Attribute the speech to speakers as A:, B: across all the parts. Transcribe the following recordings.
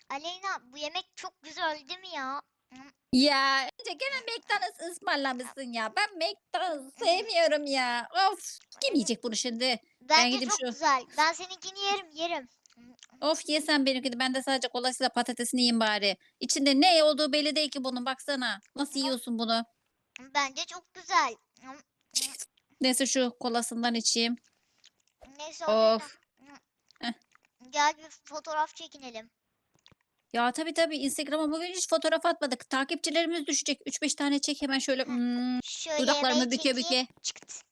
A: Aleyna bu yemek çok güzel değil mi ya?
B: Ya önce gene McDonald's ısmarlamışsın ya. Ben McDonald's sevmiyorum ya. Of kim yiyecek bunu şimdi? Ben
A: Bence
B: gideyim
A: çok
B: şu.
A: güzel. Ben seninkini yerim.
B: Of yesen benimkini. Ben de sadece kolasıyla patatesini yiyeyim bari. İçinde ne olduğu belli değil ki bunun. Baksana. Nasıl yiyorsun bunu?
A: Bence çok güzel.
B: Neyse şu kolasından içeyim.
A: Neyse Aleyna.
B: Of. Heh.
A: Gel bir fotoğraf çekinelim.
B: Ya tabii Instagram'a bugün hiç fotoğraf atmadık. Takipçilerimiz düşecek. 3-5 tane çek hemen şöyle.
A: Şöyle yemeği
B: Dudaklarımı büke
A: çekeyim.
B: büke.
A: Çıkt.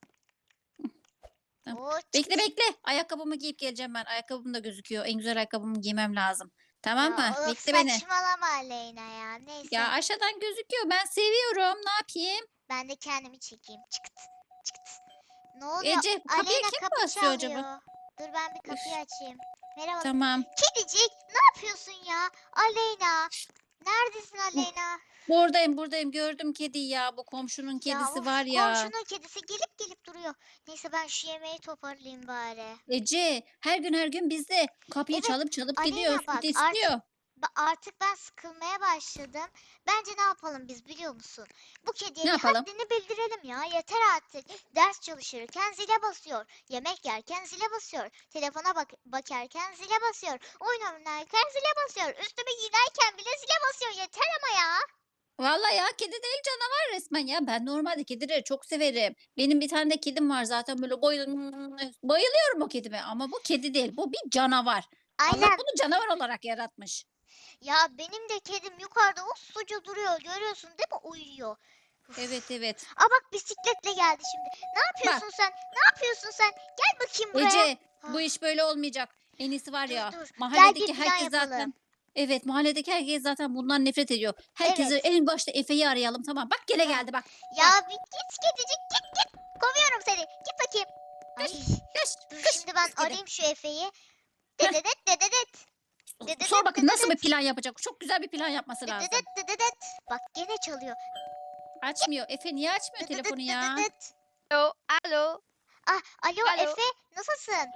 B: Tamam.
A: Oo, çıkt.
B: Bekle. Ayakkabımı giyip geleceğim ben. Ayakkabım da gözüküyor. En güzel ayakkabımı giymem lazım. Tamam
A: Ya
B: mı?
A: of
B: Bekle beni.
A: saçmalama Aleyna ya.
B: Ya
A: Neyse.
B: aşağıdan gözüküyor. Ben seviyorum. Ne yapayım?
A: Ben de kendimi çekeyim. Çıkt. Çıkt. Ne oluyor?
B: Ece bu kapıyı
A: Aleyna
B: kim
A: kapı
B: basıyor acaba?
A: çalıyor. Dur ben bir
B: Üf,
A: kapıyı açayım. Merhaba.
B: tamam.
A: Kedicik ne yapıyorsun ya? Aleyna. Neredesin
B: Bu-
A: Aleyna?
B: Buradayım. Gördüm kediyi ya. Bu komşunun
A: Ya
B: kedisi
A: of
B: var ya.
A: komşunun kedisi gelip duruyor. Neyse ben şu yemeği toparlayayım bari.
B: Ece her gün bizde. Kapıyı
A: Evet
B: çalıp gidiyor.
A: Aleyna
B: Süt
A: bak
B: istiyor.
A: artık ben sıkılmaya başladım. Bence ne yapalım biz biliyor musun? Bu kediye
B: Ne
A: bir
B: yapalım?
A: haddini bildirelim ya. Yeter artık. Ders çalışırken zile basıyor. Yemek yerken zile basıyor. Telefona bakarken zile basıyor. Oyun oynarken zile basıyor. Üstüme giderken bile zile basıyor. Yeter ama ya.
B: Vallahi ya kedi değil canavar resmen ya. Ben normalde kedileri çok severim. Benim bir tane de kedim var zaten böyle bayılıyorum o kedime. Ama bu kedi değil. Bu bir canavar. Allah
A: Aynen.
B: bunu canavar olarak yaratmış.
A: Ya benim de kedim yukarıda usluca duruyor. Görüyorsun değil mi? Uyuyor. Uf.
B: Evet.
A: Aa bak bisikletle geldi şimdi. Ne
B: Bak
A: yapıyorsun sen? Ne yapıyorsun sen? Gel bakayım buraya.
B: Ece bu
A: Ah,
B: iş böyle olmayacak. En iyisi var
A: dur
B: ya
A: dur. Gel bir
B: mahalledeki
A: plan
B: herkes
A: yapalım.
B: zaten mahalledeki herkes zaten bundan nefret ediyor. Herkesi
A: Evet.
B: en başta Efe'yi arayalım tamam. Bak gene
A: Tamam.
B: geldi bak. Bak
A: Ya bir git kedicik git. Kovuyorum seni. Git bakayım. Ay.
B: kış
A: Dur
B: kış
A: şimdi ben
B: pis kedi.
A: arayayım şu Efe'yi.
B: Heh,
A: Dededet dededet.
B: sor
A: Dededet
B: bakın nasıl bir
A: dededet.
B: plan yapacak. Çok güzel bir plan yapması
A: Dededet
B: lazım.
A: dededet. Bak gene çalıyor.
B: Açmıyor. Efe niye açmıyor
A: Dededet
B: telefonu ya?
A: dededet.
C: Alo, alo,
A: Ah alo
C: alo.
A: Efe nasılsın?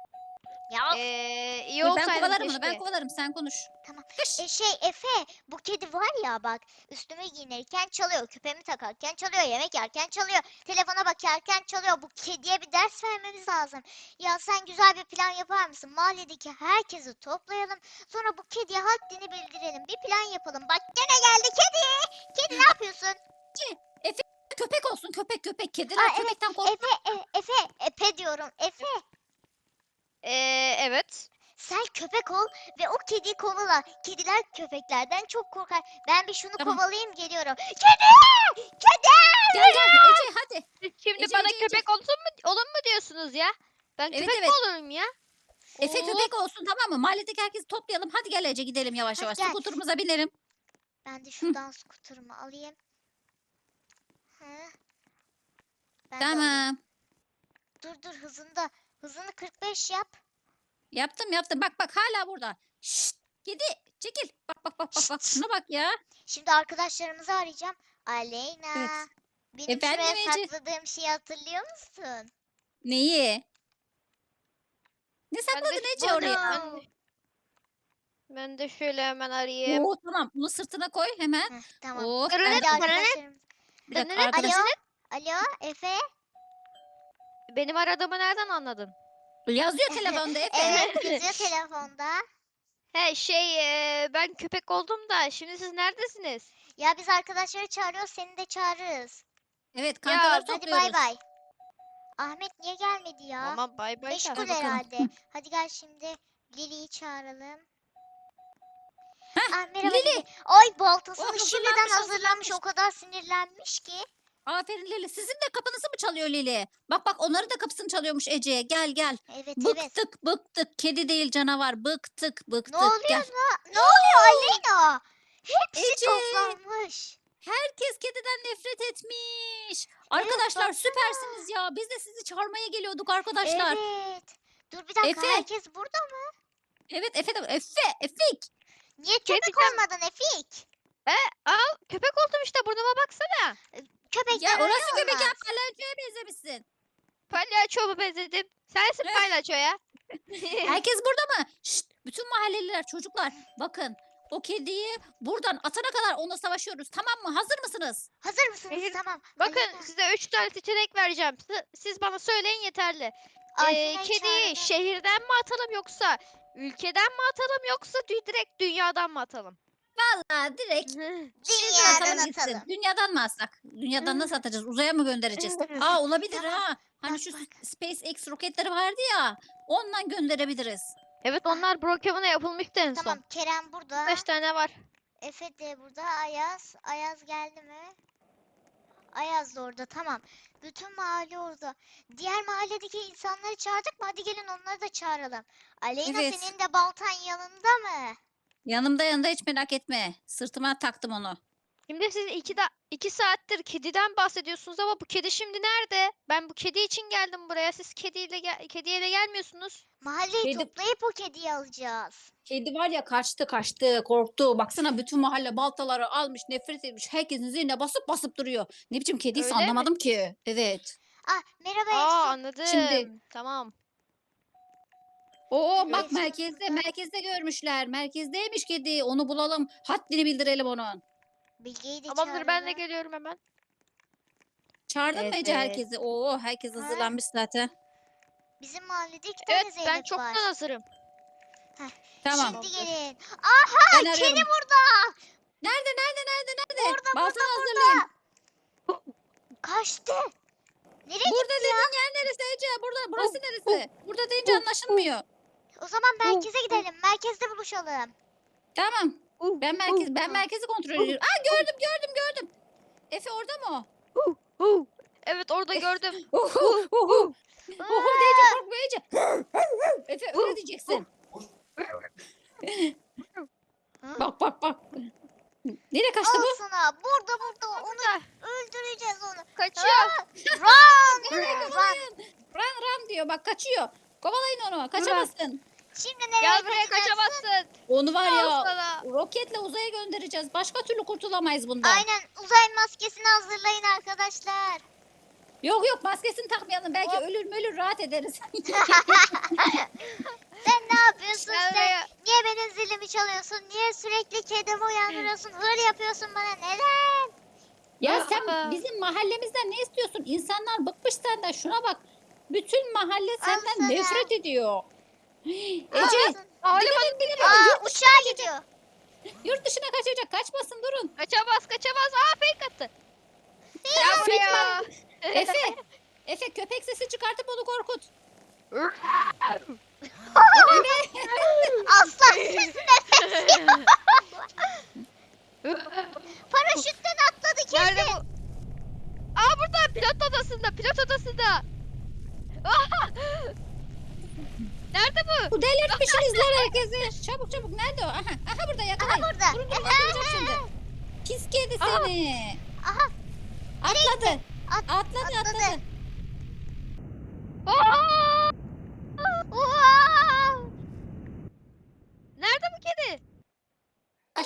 A: Ya
C: İyi
B: Dur ben
C: olsaydım
B: kovalarım onu. Ben
C: keşke.
B: kovalarım. Sen konuş.
A: tamam.
B: Kış.
A: Efe bu kedi var ya bak üstüme giyinirken çalıyor, küpemi takarken çalıyor, yemek yerken çalıyor, telefona bakarken çalıyor. Bu kediye bir ders vermemiz lazım. Ya sen güzel bir plan yapar mısın? Mahalledeki herkesi toplayalım. Sonra bu kediye haddini bildirelim. Bir plan yapalım. Bak gene geldi kedi. Kedi ne yapıyorsun?
B: Efe köpek olsun. Köpek. Kediler
A: Aa evet
B: köpekten korkmaz.
A: Efe diyorum. Efe
C: Evet.
A: sen köpek ol ve o kediyi kovala. Kediler köpeklerden çok korkar. Ben bir şunu
B: Tamam.
A: kovalayayım geliyorum. Kedi! Kedi!
B: Gel Ece hadi.
C: Siz şimdi
B: Ece
C: bana
B: Ece.
C: köpek olun mu diyorsunuz ya? Ben
B: Evet
C: köpek mi
B: evet.
C: olurum ya?
B: Efe
C: Oo,
B: köpek olsun tamam mı? Mahalledeki herkesi toplayalım. Hadi gel Ece gidelim yavaş
A: Hadi
B: yavaş.
A: gel.
B: Skuturumuza binelim.
A: Ben de
B: Hı,
A: şuradan skuterumu alayım. Hı, ben de alayım.
B: tamam.
A: Dur hızında. Hızını 45 yap.
B: Yaptım. Bak hala burada. Şşt, kedi çekil. Bak.
A: Şşt.
B: Şuna bak ya.
A: Şimdi arkadaşlarımızı arayacağım.
B: Evet.
A: Aleyna. Benim
B: Efendim
A: şuraya
B: Ece.
A: sakladığım şeyi hatırlıyor musun?
B: Neyi? Ne
C: ben de
B: sakladın Ece
A: Bunu.
B: oraya?
C: ben de şöyle hemen arayayım.
B: Oo tamam. Bunu sırtına koy hemen.
A: Heh, tamam.
B: Oh ben
C: Dırırıt,
B: de
A: Hadi
B: onu...
C: dırırıt,
A: arkadaşlarım.
B: Bir dakika
C: dırırıt,
B: arkadaş.
A: Alo.
C: dırırıt.
A: Alo Efe.
C: Benim aradığımı nereden anladın?
B: Yazıyor telefonda Efe.
A: Evet yazıyor telefonda.
C: Ben köpek oldum da şimdi siz neredesiniz?
A: Ya biz arkadaşları çağırıyoruz seni de çağırırız.
B: Evet
C: Ya
B: kankaları
A: Hadi bay
B: topluyoruz.
A: bay. Ahmet niye gelmedi ya?
C: tamam bay bay da.
A: Meşgul
B: Ver bakalım.
A: herhalde. Hadi gel şimdi Lili'yi çağıralım.
B: Heh,
A: Ah merhaba
B: Lili.
A: Lili. Ay
B: Oh
A: baltasını şimdiden hazırlamış.
B: hazırlanmış.
A: O kadar sinirlenmiş ki.
B: Aferin Lili. Sizin de kapınızı mı çalıyor Lili? Bak onları da kapısını çalıyormuş Ece. Gel.
A: Evet.
B: Bıktık. Kedi değil canavar. Bıktık.
A: Ne oluyor
B: Gel.
A: ne oluyor Aleyna? Hepsi
B: Ece.
A: toplanmış.
B: Herkes kediden nefret etmiş.
A: Evet
B: Arkadaşlar
A: baksana.
B: süpersiniz ya. Biz de sizi çağırmaya geliyorduk arkadaşlar.
A: Evet. Dur bir dakika
B: Efe.
A: herkes burada mı?
B: Evet Efe de. Efik.
A: Niye
C: Kedi
A: köpek
C: sen-
A: olmadın Efik?
C: Al köpek oldum işte burnuma baksana.
A: Köpekler
B: Ya
A: öyle
B: orası köpek ya.
A: olmaz.
B: Palyaçoya benzemişsin.
C: Palyaço mu benzedim? Sensin palyaço ya.
B: Herkes burada mı? Şşt, bütün mahalleliler çocuklar. Bakın o kediyi buradan atana kadar onunla savaşıyoruz. Tamam mı? Hazır mısınız?
A: Hazır mısınız?
C: Hayır,
A: Tamam.
C: Bakın
A: Aleyna,
C: size 3 tane seçenek vereceğim. Siz bana söyleyin yeterli.
A: Aleyna
C: Kediyi
A: çağıralım.
C: şehirden mi atalım yoksa ülkeden mi atalım yoksa direkt dünyadan mı atalım?
B: Vallahi direkt şuradan
A: Dünyadan
B: atalım gitsin.
A: atalım.
B: Dünyadan mı atsak? Dünyadan nasıl atacağız? Uzaya mı göndereceğiz? Aa olabilir
A: Tamam.
B: ha. Hani
A: Bak,
B: şu
A: bak.
B: SpaceX roketleri vardı ya. Ondan gönderebiliriz.
C: Evet onlar Brookhaven'a yapılmıştı en
A: Tamam
C: son.
A: Kerem burada.
C: 5 tane var.
A: Efe de burada. Ayaz. Ayaz geldi mi? Ayaz da orada. Tamam. Bütün mahalle orada. Diğer mahalledeki insanları çağırdık mı? Hadi gelin onları da çağıralım. Aleyna
B: Evet.
A: senin de baltan yanında mı?
B: Yanımda hiç merak etme. Sırtıma taktım onu.
C: Şimdi siz 2 saattir kediden bahsediyorsunuz ama bu kedi şimdi nerede? Ben bu kedi için geldim buraya. Siz kediyle gelmiyorsunuz.
A: Mahalleyi
B: Kedi-
A: toplayıp o kediyi alacağız.
B: Kedi var ya kaçtı korktu. Baksana bütün mahalle baltaları almış nefret etmiş. Herkesin zihnine basıp duruyor. Ne biçim kediyse
C: Öyle mi?
B: anlamadım ki. Evet.
A: Ah merhaba
C: Aa
A: Efsun.
C: anladım.
B: Şimdi-
C: Tamam.
B: Oo bak
A: Efsun burada.
B: merkezde görmüşler. Merkezdeymiş kedi. Onu bulalım. Haddini bildirelim onun.
A: Bilge'yi de
C: Tamamdır ben de
A: çağıralım.
C: geliyorum hemen.
B: Çağırdın mı Ece
C: Evet.
B: herkesi? Oo herkes
A: Ha?
B: hazırlanmış zaten.
A: Bizim mahallede 2 tane
C: Evet ben
A: Zeynep
C: çoktan
A: var.
C: hazırım.
B: Tamam.
A: Şimdi
C: Tamamdır.
A: gelin. Aha
B: Ben
A: kedi
B: arıyorum.
A: burada.
B: Nerede?
A: Burada
B: Baltanı
A: burada
B: hazırlayın.
A: burada. Kaçtı. Nereye
B: Burada
A: gitti ya?
B: dediğin yer neresi Ece? Burası neresi? Burada deyince anlaşılmıyor.
A: O zaman merkeze gidelim. Merkezde buluşalım.
B: Tamam. Ben merkezi kontrol ediyorum. Aa gördüm. Efe orada mı o?
C: Evet orada gördüm.
B: Oho diyece korkma Ece. Efe öyle diyeceksin. Bak. Nereye kaçtı
A: Al
B: bu?
A: sana. Burada. Onu
C: Burada.
A: öldüreceğiz onu.
C: Kaçıyor.
A: Run.
B: Run diyor bak kaçıyor. Kovalayın onu kaçamazsın.
A: Şimdi nereye
C: Gel buraya
A: kaçacaksın?
C: kaçamazsın.
B: Onu var
C: Al
B: ya
C: sana.
B: roketle uzaya göndereceğiz. Başka türlü kurtulamayız bundan.
A: Aynen. Uzay maskesini hazırlayın arkadaşlar.
B: Yok maskesini takmayalım. Belki
C: Hop.
B: ölür rahat ederiz.
A: Sen ne yapıyorsun
C: Gel
A: sen?
C: buraya.
A: Niye benim zilimi çalıyorsun? Niye sürekli kedimi uyandırıyorsun? Hır yapıyorsun bana. Neden?
B: Ya sen bizim mahallemizden ne istiyorsun? İnsanlar bıkmış senden. Şuna bak. Bütün mahalle senden
A: sana.
B: nefret ediyor. Ece
A: Alsın.
C: Havalimanı
A: Aa uçağa gidiyor.
B: yurt dışına kaçacak. Kaçmasın durun.
C: kaçamaz. Aa fake attı. Gel buraya.
B: Efe köpek sesi çıkartıp onu korkut.
A: Aslan siz nefes. Paraşütten atladı
C: Nerede
A: kedi.
C: bu? Aa burada pilot odasında. Aa! Nerede bu?
B: Bu delirtmişsiniz lan herkesi. Çabuk nerede o? Aha burada yakalayın.
A: Aha burada.
B: Durun yakalayacağım şimdi. Pis kedi
C: Aha.
B: seni.
A: Aha
B: Atladı.
A: atladı.
B: Atladı.
C: Aa!
A: Oha!
C: Nerede bu kedi?
B: Ay,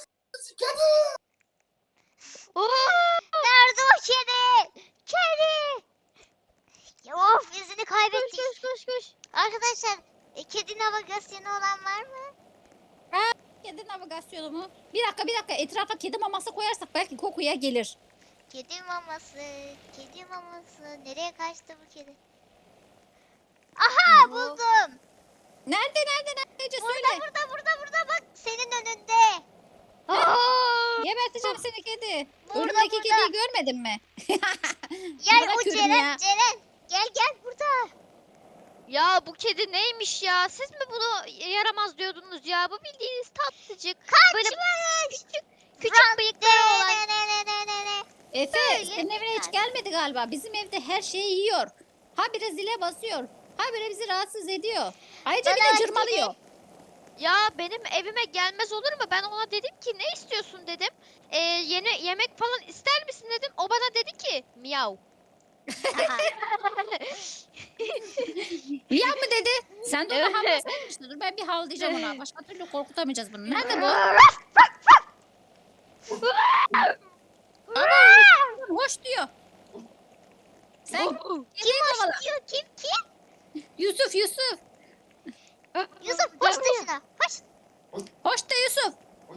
A: Nerede o kedi? Kedi. Ya of izini kaybettik.
C: Koş.
A: Arkadaşlar kedi navigasyonu olan var mı?
B: kedi navigasyonu mu? Bir dakika. Etrafa kedi maması koyarsak belki kokuya gelir.
A: Kedi maması. Nereye kaçtı bu kedi? Aha buldum.
B: Nerede Ece söyle.
A: Burada bak senin önünde.
C: Aa!
B: Geberteceğim seni kedi.
A: Burada,
B: Önümdeki
A: burada.
B: kediyi görmedin mi?
A: Gel o
B: Bırakıyorum
A: Ceren.
B: ya.
A: Gel burada.
C: Ya bu kedi neymiş ya? Siz mi bunu yaramaz diyordunuz ya? Bu bildiğiniz tatlıcık. Böyle küçük bıyıkları olan.
A: Ne.
B: Efe
A: Böyle
B: senin evine hiç
A: biraz.
B: gelmedi galiba. Bizim evde her şeyi yiyor. Habire zile basıyor. Habire bizi rahatsız ediyor. Ayrıca bir
A: Bana
B: de cırmalıyor.
C: Ya benim evime gelmez olur mu? Ben ona dedim ki ne istiyorsun dedim. Yeni yemek falan ister misin dedim. O bana dedi ki miyav.
B: Ya mı dedi? Sen de ona
C: Evet.
B: havlasaydın işte. Dur ben bir havlayacağım ona. Başka türlü korkutamayacağız bunu. Nerede bu? Ama hoş diyor. Sen
A: Kim
B: kediyi kovala.
A: hoş diyor? Kim?
B: Yusuf.
A: Yusuf hoş de şuna. Hoş.
B: Hoş da Yusuf.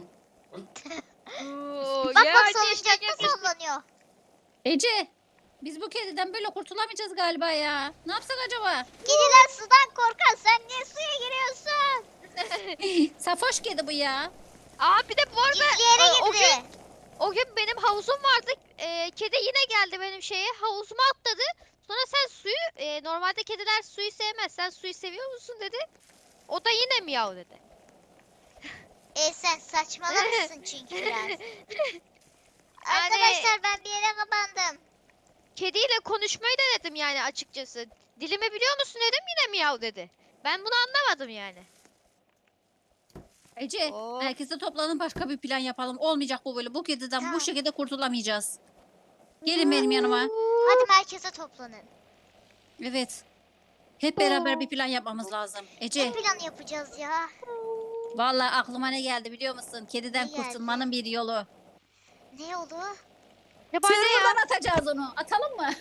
A: Bak
C: Ya
A: bak
C: ateşle
A: salıncakta
C: yapıştı.
A: sallanıyor.
B: Ece biz bu kediden böyle kurtulamayacağız galiba ya. Ne yapsak acaba?
A: Kediler sudan korkar. Sen niye suya giriyorsun?
B: Safoş kedi bu ya.
C: Aa bir de bu arada
A: Gizli yere
C: o gün
A: girdi.
C: o gün benim havuzum vardı. Kedi yine geldi benim şeye. Havuzuma atladı. Sonra sen suyu normalde kediler suyu sevmez. Sen suyu seviyor musun dedi. O da yine miyav dedi.
A: Sen saçmalamışsın çünkü biraz.
C: Yani
A: Arkadaşlar ben bir yere kapandım.
C: kediyle konuşmayı da dedim yani açıkçası. Dilimi biliyor musun dedim yine miyav dedi. Ben bunu anlamadım yani.
B: Ece
C: Oo.
B: herkese toplanın başka bir plan yapalım. Olmayacak bu böyle. Bu kediden
A: Tamam.
B: bu şekilde kurtulamayacağız. Gelin benim yanıma.
A: Hadi merkeze toplanın.
B: Evet. Hep beraber bir plan yapmamız lazım.
A: Ne
B: Ece
A: plan yapacağız ya?
B: vallahi aklıma ne geldi biliyor musun? Kediden
A: Ne geldi?
B: kurtulmanın bir yolu.
A: Ne oldu?
C: Ne bana ya?
B: Server'dan atacağız onu. Atalım mı?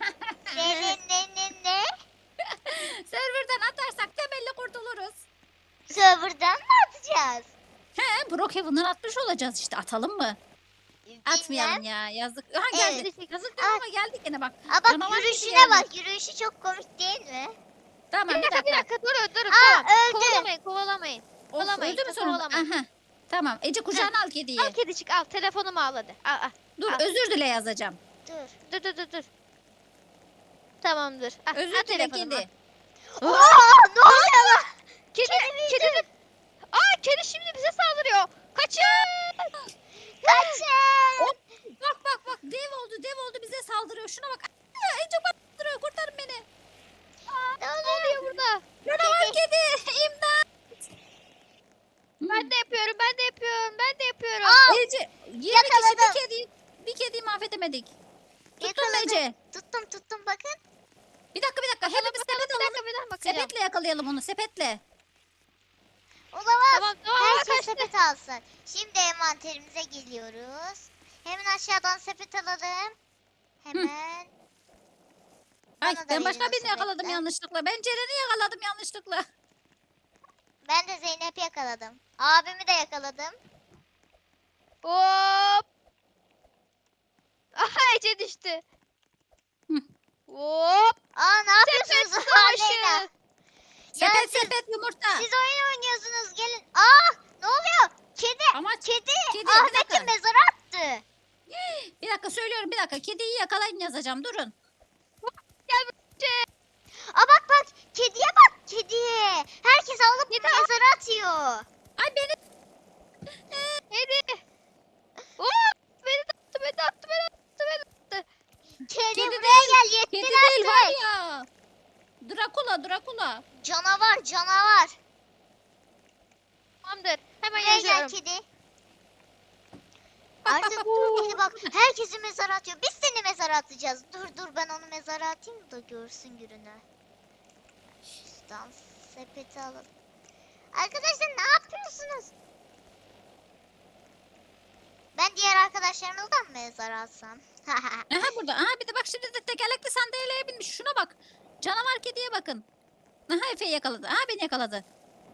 A: Ne?
B: Server'dan atarsak temelli kurtuluruz.
A: Server'dan mı atacağız?
B: He, Brookhaven'dan atmış olacağız işte. Atalım mı? Atmayalım ya. Yazık. Ha geldi. Yazık diyorum ama geldik yine bak.
A: Aa bak
B: Canavar gibi
A: yürüyüşüne
B: geldi.
A: bak. Yürüyüşü çok komik değil mi?
B: Tamam
C: Bir dakika bir dakika durun
A: Aa,
C: tamam.
A: öldü.
C: Kovalamayın.
B: Of,
C: Kovalamayın,
B: öldü mü sonunda?
C: kovalamayın.
B: Aha. Tamam. Ece kucağına al kediyi.
C: Al kedicik al telefonumu al hadi. Al.
B: Dur
C: al.
B: özür dile yazacağım.
A: Dur.
C: Dur. Tamamdır. Al,
B: Özür
C: al
B: dile
C: telefonumu,
B: kedi.
C: al.
A: Aa, ne oluyor lan?
C: Kedi. Aa kedi şimdi bize saldırıyor. Kaçın.
A: Kaçın.
B: Bak dev oldu bize saldırıyor. Şuna bak. Aa, Ece bana saldırıyor. Kurtarın beni.
A: Ne
C: Ne
A: oluyor?
C: oluyor burada?
B: Canavar kedi. İmdat.
C: Ben de yapıyorum.
A: Aa,
B: Ece 20 kişi
A: yakaladım.
B: bir kediyi mahvedemedik. Tuttun mu
A: yakaladım.
B: Ece?
A: Tuttum bakın.
B: Bir dakika. Hepimiz sepet alalım.
C: Bir dakika bakacağım.
B: Sepetle yakalayalım onu. Sepetle.
A: Olamaz.
C: Tamam
A: Herkes
C: kaçtı.
A: sepet alsın. Şimdi envanterimize geliyoruz. Hemen aşağıdan sepet alalım. Hemen.
B: Ay
A: Bana da
B: ben
A: verin
B: başka
A: o
B: birini yakaladım
A: sepetten.
B: yanlışlıkla. Ben Ceren'i yakaladım yanlışlıkla.
A: Ben de Zeynep'i yakaladım. Abimi de yakaladım.
C: Hop. Aha Ece düştü.
B: Hı.
C: Hop.
A: Aa ne yapıyorsunuz?
C: Sepet
A: Aleyna?
C: savaşı.
A: Ya
B: Sepet
A: siz-
B: sepet yumurta.
A: Siz oyun oynuyorsunuz gelin. Aa ne oluyor? Kedi.
B: Ama
A: Kedi.
B: Kedi, bir
A: Ahmet'i
B: dakika.
A: mezara attı.
B: bir dakika söylüyorum bir dakika. Kediyi yakalayın yazacağım durun.
C: Gel Ece.
A: Aa bak. Kediye bak kediye. Herkes alıp mezara atıyor.
B: Ay beni
C: Hadi. Hop. Beni de attı.
A: Kedi
B: Kedi
A: buraya gel yettin
B: kedi değil var
A: artık.
B: ya. Drakula.
A: Canavar.
C: Tamamdır. Hemen
A: Buraya gel
C: yazıyorum.
A: kedi.
B: Bak,
A: Artık
B: bak,
A: kedi bak herkesi mezara atıyor. Biz seni mezara atacağız. Dur ben onu mezara atayım da görsün gününü. Şuradan sepeti alalım. Arkadaşlar ne yapıyorsunuz? Ben diğer arkadaşlarımızdan mı mezara atsam?
B: Aha burada. Aha bir de bak şimdi de tekerlekli sandalyeye binmiş. Şuna bak. Canavar kediye bakın. Aha Efe'yi yakaladı. Aha beni yakaladı.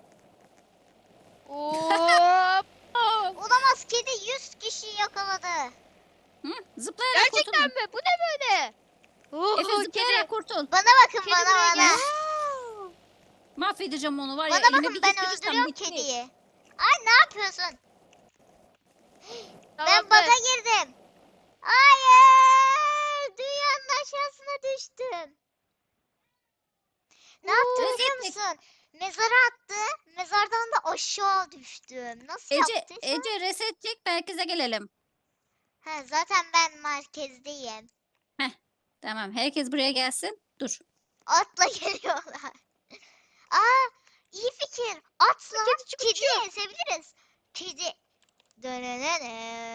C: Hop.
A: Olamaz kedi 100 kişi yakaladı.
B: Hı? Zıplayarak
C: Gerçekten
B: kurtulun.
C: mi? Bu ne böyle?
B: Efe
C: Kedi.
B: zıplayarak kurtul.
A: Bana bakın
C: Kedi
A: bana.
C: buraya gel.
B: Mahvedeceğim onu var ya.
A: Bana
B: elime
A: bakın
B: bir
A: ben
B: geçirirsem
A: öldürüyorum
B: bitti.
A: kediyi. Ay ne yapıyorsun? Ben
C: Tamamdır.
A: baga girdim. Hayır! Dünyanın aşağısına düştüm. Ne yaptım biliyor
B: Resetlik.
A: musun? Mezara attı. Mezardan da aşağı düştüm. Nasıl yaptıysa?
B: Ece reset çek merkeze gelelim.
A: Ha, zaten ben merkezdeyim.
B: Tamam herkes buraya gelsin. Dur.
A: Atla geliyorlar. Aa, iyi fikir. Atla.
C: Kedi
A: Kediyi
C: uçuyor.
A: ezebiliriz. Kedi. Dönenene.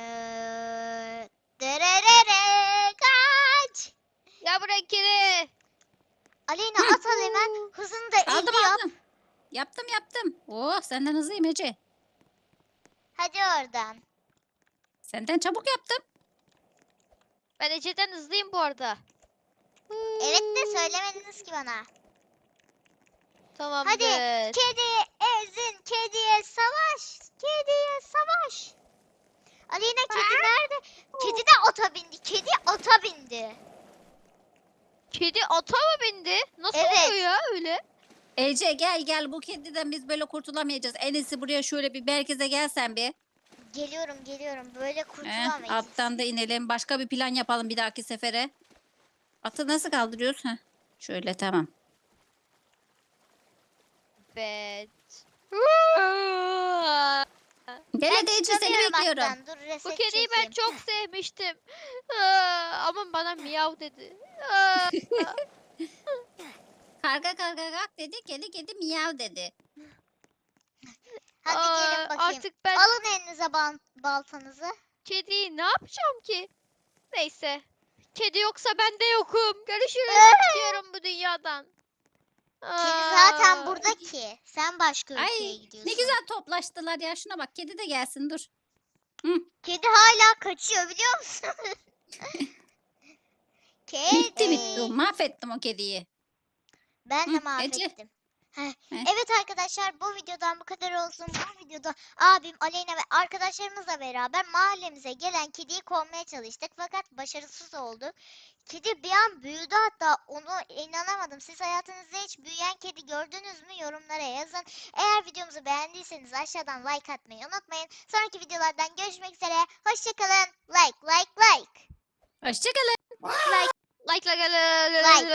A: Dererere. Kaç.
C: Ya bırak kedi.
A: Aleyna at al hemen. Hızını da 50
B: Aldım
A: yap.
B: aldım. Yaptım. Oh senden hızlıyım Ece.
A: Hadi oradan.
B: Senden çabuk yaptım.
C: Ben Ece'den hızlıyım bu arada.
A: Evet de söylemediniz ki bana.
C: Tamamdır.
A: Hadi kediyi ezin. Kediye savaş. Kediye savaş. Aleyna kedi nerede?
C: Kedi ata mı bindi? Nasıl
A: Evet.
C: oluyor ya öyle?
B: Ece gel bu kediden biz böyle kurtulamayacağız. En iyisi buraya şöyle bir merkeze gelsen bir.
A: Geliyorum. Böyle kurtulamayız.
B: Attan da inelim. Başka bir plan yapalım bir dahaki sefere. Atı nasıl kaldırıyoruz? Heh. Şöyle tamam.
C: Evet.
B: Gel
A: Ben
B: hadi Ece seni
A: çıkamıyorum
B: bekliyorum.
A: attan. Dur reset
C: Bu kediyi ben
A: çekeyim.
C: çok sevmiştim. Ama bana miyav dedi.
B: Karga kalk dedi. Kedi miyav dedi.
A: Hadi gelin bakayım.
C: Artık ben
A: Alın elinize baltanızı.
C: kediyi ne yapacağım ki? Neyse. Kedi yoksa ben de yokum. Görüşürüz. Gidiyorum bu dünyadan.
A: Kedi zaten
C: Aa,
A: burada ki. Sen başka ülkeye
B: Ay
A: gidiyorsun.
B: ne güzel toplaştılar ya. Şuna bak kedi de gelsin dur.
A: Kedi hala kaçıyor biliyor musun?
B: Bitti.
A: Kedi.
B: Mahvettim o kediyi.
A: Ben de
B: Ece.
A: mahvettim. Heh.
B: Heh.
A: Evet arkadaşlar bu videodan bu kadar olsun. Bu videoda abim Aleyna ve arkadaşlarımızla beraber mahallemize gelen kediyi kovmaya çalıştık. Fakat başarısız oldu. Kedi bir an büyüdü, hatta onu inanamadım. Siz hayatınızda hiç büyüyen kedi gördünüz mü? Yorumlara yazın. Eğer videomuzu beğendiyseniz aşağıdan like atmayı unutmayın. Sonraki videolardan görüşmek üzere. Hoşçakalın. Like.
B: Hoşçakalın.
C: like.
A: Like.